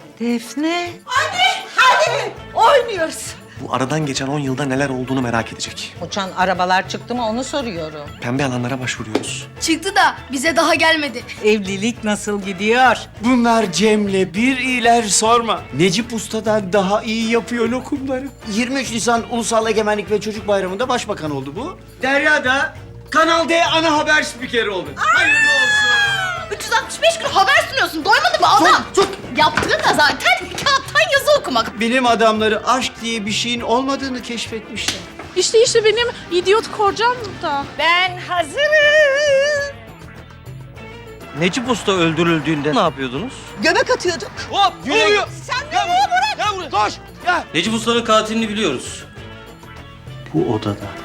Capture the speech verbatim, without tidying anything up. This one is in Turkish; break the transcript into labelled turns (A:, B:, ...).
A: Defne. Hadi, hadi. Oynuyoruz.
B: Bu aradan geçen on yılda neler olduğunu merak edecek.
A: Uçan arabalar çıktı mı onu soruyorum.
B: Pembe alanlara başvuruyoruz.
C: Çıktı da bize daha gelmedi.
A: Evlilik nasıl gidiyor?
D: Bunlar Cem'le bir iyiler sorma. Necip Usta'dan daha iyi yapıyor lokumları. yirmi üç Nisan Ulusal Egemenlik ve Çocuk Bayramı'nda başbakan oldu bu. Derya da Kanal D ana haber spikeri oldu. Hayırlı olsun.
C: üç yüz altmış beş gün haber sunuyorsun. Doymadı mı adam?
D: Sus,
C: Yaptığı da zaten kağıttan yazı okumak.
D: Bilim adamları aşk diye bir şeyin olmadığını keşfetmişler.
E: İşte işte benim idiot kocam da.
A: Ben hazırım.
F: Necip Usta öldürüldüğünde ne yapıyordunuz?
A: Göbek atıyorduk.
F: Hop! Ne oluyor?
A: Sen nereye bırak?
F: Gel buraya! Koş! Gel! Necip Usta'nın katilini biliyoruz.
D: Bu odada